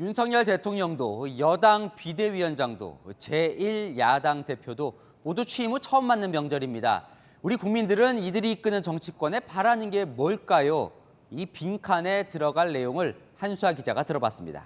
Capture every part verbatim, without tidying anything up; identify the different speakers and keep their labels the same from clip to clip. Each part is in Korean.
Speaker 1: 윤석열 대통령도 여당 비대위원장도 제일 야당 대표도 모두 취임 후 처음 맞는 명절입니다. 우리 국민들은 이들이 이끄는 정치권에 바라는 게 뭘까요? 이 빈칸에 들어갈 내용을 한수아 기자가 들어봤습니다.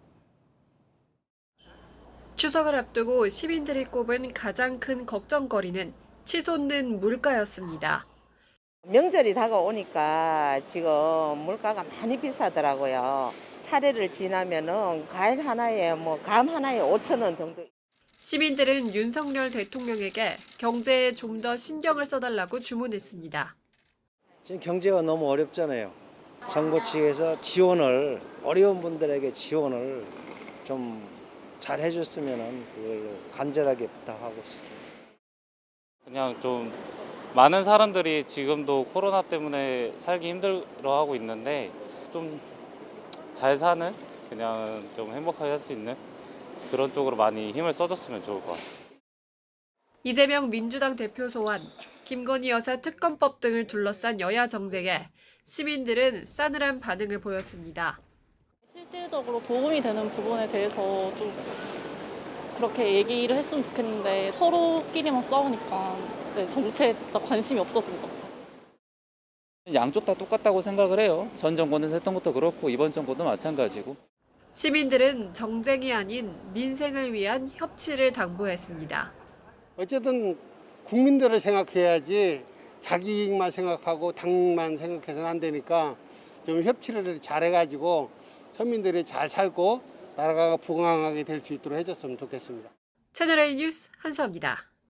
Speaker 2: 추석을 앞두고 시민들이 꼽은 가장 큰 걱정거리는 치솟는 물가였습니다.
Speaker 3: 명절이 다가오니까 지금 물가가 많이 비싸더라고요. 차례를 지나면은 과일 하나에 뭐 감 하나에 오천 원 정도.
Speaker 2: 시민들은 윤석열 대통령에게 경제에 좀 더 신경을 써달라고 주문했습니다.
Speaker 4: 지금 경제가 너무 어렵잖아요. 정부 측에서 지원을 어려운 분들에게 지원을 좀 잘 해줬으면 그걸로 간절하게 부탁하고 싶습니다.
Speaker 5: 그냥 좀 많은 사람들이 지금도 코로나 때문에 살기 힘들어하고 있는데 좀 잘 사는, 그냥 좀 행복하게 할 수 있는 그런 쪽으로 많이 힘을 써줬으면 좋을 것 같아요.
Speaker 2: 이재명 민주당 대표 소환, 김건희 여사 특검법 등을 둘러싼 여야 정쟁에 시민들은 싸늘한 반응을 보였습니다.
Speaker 6: 실질적으로 도움이 되는 부분에 대해서 좀 그렇게 얘기를 했으면 좋겠는데 서로끼리만 싸우니까 네, 정치에 진짜 관심이 없어진 것 같아요.
Speaker 7: 양쪽 다 똑같다고 생각을 해요. 전 정권에서 했던 것도 그렇고 이번 정권도 마찬가지고.
Speaker 2: 시민들은 정쟁이 아닌 민생을 위한 협치를 당부했습니다.
Speaker 8: 어쨌든 국민들을 생각해야지 자기 이익만 생각하고 당만 생각해서는 안 되니까 좀 협치를 잘해가지고 서민들이 잘 살고 나라가 부강하게 될 수 있도록 해줬으면 좋겠습니다.
Speaker 2: 채널A 뉴스 한수아입니다.